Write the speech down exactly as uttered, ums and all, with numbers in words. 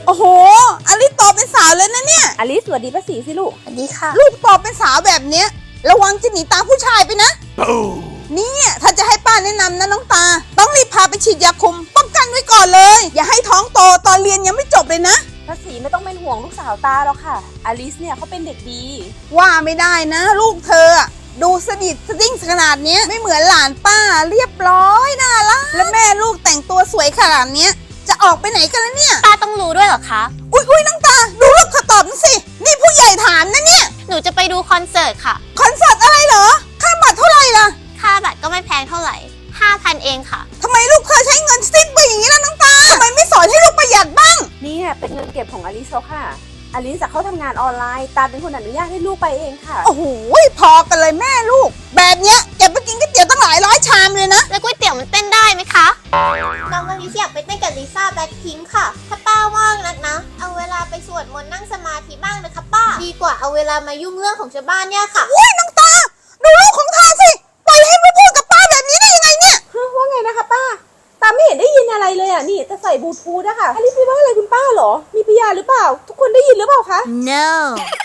โอ้โหอลิสโตเป็นสาวเลยนะเนี่ยอลิสสวัสดีป้าสีสิลูกสวัสดีค่ะลูกโตเป็นสาวแบบเนี้ยระวังจะหนีตามผู้ชายไปนะเนี่ยถ้าจะให้ป้าแนะนำนะน้องตาต้องรีบพาไปฉีดยาคุมป้องกันไว้ก่อนเลยอย่าให้ท้องโตตอนเรียนยังไม่จบเลยนะป้าสีไม่ต้องเป็นห่วงลูกสาวตาหรอกค่ะอลิสเนี่ยเขาเป็นเด็กดีว่าไม่ได้นะลูกเธอดูสดิดสดิ้งขนาดเนี้ยไม่เหมือนหลานป้าเรียบร้อยน่ารักและแม่ลูกแต่งตัวสวยขนาดเนี้ยจะออกไปไหนกันแล้วเนี่ยป้าต้องรู้ด้วยเหรอคะอุ้ยอุ้ยน้องตาดูลูกเขาตอบสินี่ผู้ใหญ่ถามนะเนี่ยหนูจะไปดูคอนเสิร์ตค่ะคอนเสิร์ตอะไรเหรอค่าบัตรเท่าไหร่ล่ะค่าบัตรก็ไม่แพงเท่าไหร่ห้าพันเองค่ะทำไมลูกเธอใช้เงินสิ้นเปลืองอย่างนี้ล่ะน้องตาทำไมไม่สอนให้ลูกประหยัดบ้างนี่เป็นเงินเก็บของอลิสแล้วค่ะอลิสจะเข้าทำงานออนไลน์ตาเป็นคนอนุญาตให้ลูกไปเองค่ะโอ้โหพอกันเลยแม่ลูกแบบเนี้ยเก็บไปกินก๋วยเตี๋ยวตั้งหลายร้อยชามเลยนะแล้วก๋วยเตี๋ยวมันเต้นได้ไหมคะน้องอลิซอยากไปเต้นกับลิซ่าแบล็คพิงค์ค่ะถ้าป้าว่างนักนะเอาเวลาไปสวดมนต์นั่งสมาธิบ้างนะคะป้าดีกว่าเอาเวลามายุ่งเรื่องของชาวบ้านเนี่ยค่ะโอ้ยน้องตาดูลูกของเธอสิปล่อยให้มาพูดกับป้าแบบนี้ได้ยังไงเนี่ยว่าไงนะคะป้าตาไม่เห็นได้ยินอะไรเลยอ่ะนี่จะใส่บลูทูธอะค่ะอลิสไปว่าอะไรคุณป้าเหรอมีพิยาหรือเปล่าทุกคนได้ยินหรือเปล่าคะ no